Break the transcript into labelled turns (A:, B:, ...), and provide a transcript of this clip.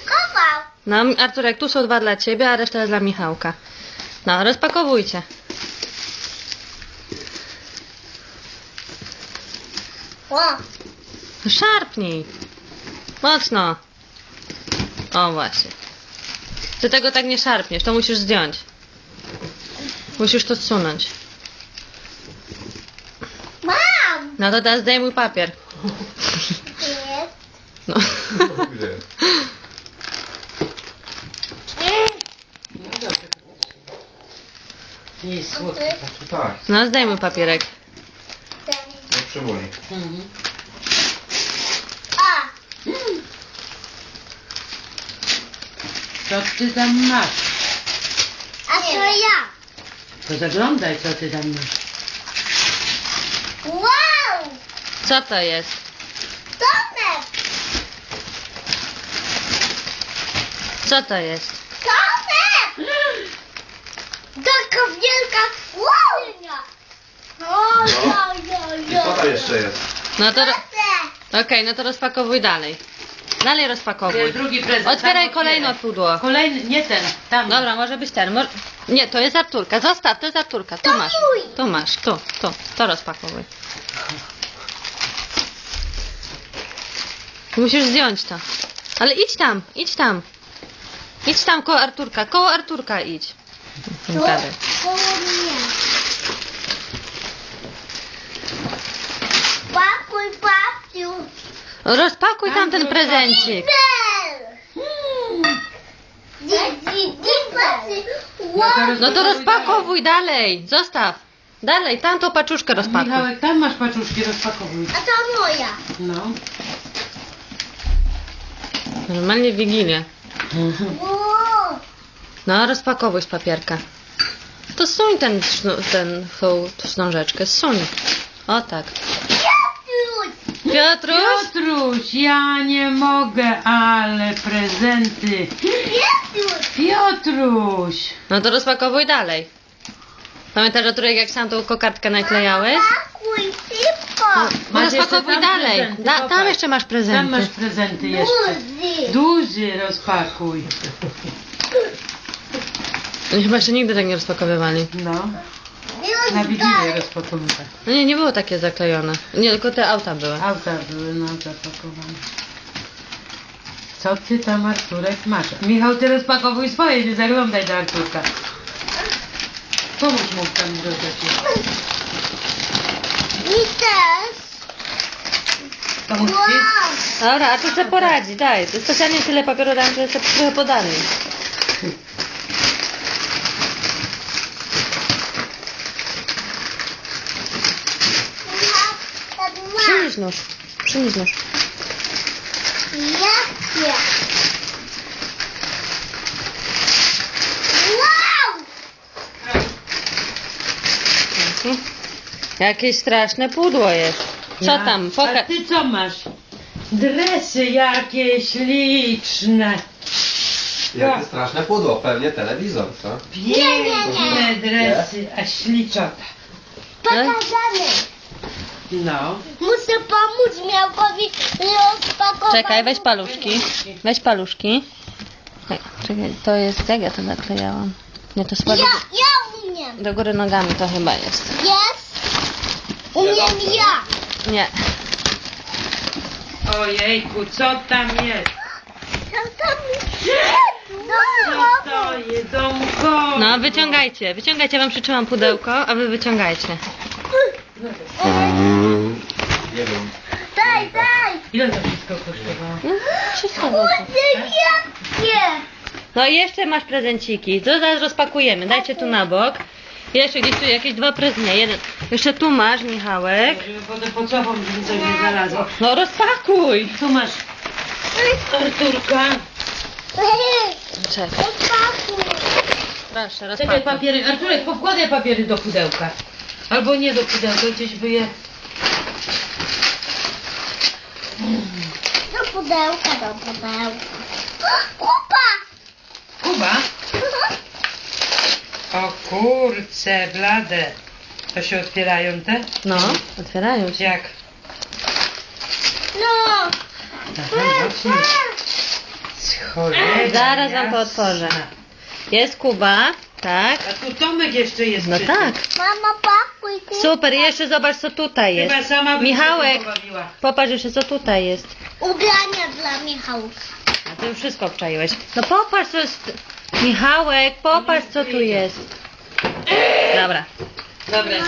A: rozpakował.
B: No, Arturek, tu są 2 dla ciebie, a reszta jest dla Michałka. No, rozpakowujcie.
A: O,
B: Szarpnij. Mocno. O, właśnie. Ty tego tak nie szarpniesz, to musisz zdjąć. Musisz to zsunąć.
A: mam.
B: No to teraz zdejmuj papier.
A: Jest.
B: No.
C: Gdzie?
D: Nie jest słodki.
C: Tak,
B: No, zdejmuj papierek.
C: nie przywoli.
A: A,
D: Co ty tam masz?
A: a to ja.
D: To zaglądaj, co ty tam masz.
A: Wow,
B: Co to jest?
A: domek.
B: Co to jest?
A: Domek. Taka wielka słonia. O,
C: I co tam jeszcze jest?
B: No to...
A: Proszę.
B: Okej, no to rozpakowuj dalej. Dalej
D: To
B: rozpakowuj.
D: jest drugi prezent.
B: Otwieraj
D: Tam
B: kolejne
D: otwieraj.
B: pudło.
D: Kolejny, nie ten, tam.
B: Dobra, może być ten. Nie, to jest Arturka. Zostaw, to jest Arturka. Tu
A: To
B: masz.
A: mój.
B: Tu masz, tu. To rozpakowuj. Musisz zdjąć to. Ale idź tam, idź tam. Idź tam koło Arturka idź.
A: Tu
B: Gadaj.
A: koło mnie. Papuj, papiu.
B: Rozpakuj tam ten prezencik. No to rozpakowuj dalej. Zostaw. Dalej, tamtą paczuszkę rozpakuj.
D: Michałek, tam masz paczuszki, rozpakowuj.
A: A to moja.
D: No.
B: Normalnie w Wigilię.
A: Wow.
B: No, rozpakowuj z papierka. To suń tą wstążeczkę, suń. O tak.
A: Piotruś.
B: Piotruś?
D: Piotruś, ja nie mogę, ale prezenty.
A: Piotruś.
D: Piotruś.
B: No to rozpakowuj dalej. Pamiętasz, Arturek, jak sam tą kokardkę naklejałeś?
A: Pakuj szybko.
B: No,
D: Masz
B: rozpakowuj
D: jeszcze tam
B: dalej.
D: prezenty,
B: Tam
D: popatrz.
B: jeszcze masz
D: Tam
B: prezenty.
D: masz prezenty jeszcze.
A: Duży.
D: Duży rozpakuj.
B: Oni chyba jeszcze nigdy tak nie rozpakowywali.
D: No.
A: Już
D: Na Wigilię
A: dalej.
D: rozpakowywać.
B: No nie było takie zaklejone. Nie, tylko te auta były.
D: Auta były no zapakowane. Co ty tam, Arturek, masz? Michał, ty rozpakowuj swoje, nie zaglądaj do Arturka. Pomóż mu tam dodać.
A: I też.
D: Pomóż
A: Wow.
D: ci?
B: Dobra, a tu sobie poradzi, daj. To specjalnie tyle papieru dam, że sobie trochę podali. Przynieś nóż. Przynieś nóż.
A: Jakie? Wow!
B: Jakieś straszne pudło jest. Co
D: Ja.
B: tam?
D: A
B: Pokaż.
D: ty co masz? Dresy jakieś liczne.
C: Jakie straszne pudło, pewnie telewizor, co?
D: Piękne dresy, a śliczota.
A: Pokażemy.
D: No.
A: Muszę pomóc Miałkowi rozpakować.
B: Czekaj, weź paluszki. Weź paluszki. Czekaj, to jest... Jak ja to naklejałam? Nie, to słabo.
A: Ja umiem.
B: Do góry nogami to chyba jest.
A: Jest. Umiem ja.
B: Nie.
D: Ojejku, co tam jest?
A: Tam
D: Co to jest, domko?
B: No, wyciągajcie. Wyciągajcie, ja wam przytrzymam pudełko, a wy wyciągajcie.
C: Nie wiem.
A: Daj, daj.
D: Ile to wszystko kosztowało?
B: No, wszystko dobrze.
A: Jakie?
B: No i jeszcze masz prezenciki. To zaraz rozpakujemy. Dajcie tu na bok. Jeszcze gdzieś tu jakieś 2 prezenty. Nie, jeden. Jeszcze tu masz, Michałek.
D: Żeby potem pod sobą żeby coś nie znalazło.
B: No rozpakuj.
D: Tu masz Arturka.
B: Czekaj.
A: Rozpakuj.
B: Proszę,
D: Czekaj,
B: rozpakuj.
D: papiery. Arturek, powkładaj papiery do pudełka. Albo nie do pudełka, gdzieś by je...
A: Do pudełka, do pudełka. Kupa!
D: Kuba? O kurce, blade. To się otwierają te?
B: No, otwierają się.
D: Jak?
A: No.
D: Aha, właśnie. Z Cholera
B: Zaraz wam to
D: jasna.
B: otworzę. Jest Kuba, tak?
D: A tu Tomek jeszcze jest.
B: No
D: przy tym.
B: tak.
A: Mama, pakuj tu.
B: Super, jeszcze zobacz co tutaj jest.
D: Chyba sama by się
B: Michałek,
D: tym pobawiła.
B: popatrz jeszcze co tutaj jest.
A: Ubrania dla Michałka.
B: A ty już wszystko obczaiłeś. No popatrz co jest. Michałek, popatrz co tu jest. Dobra.
D: Dobra.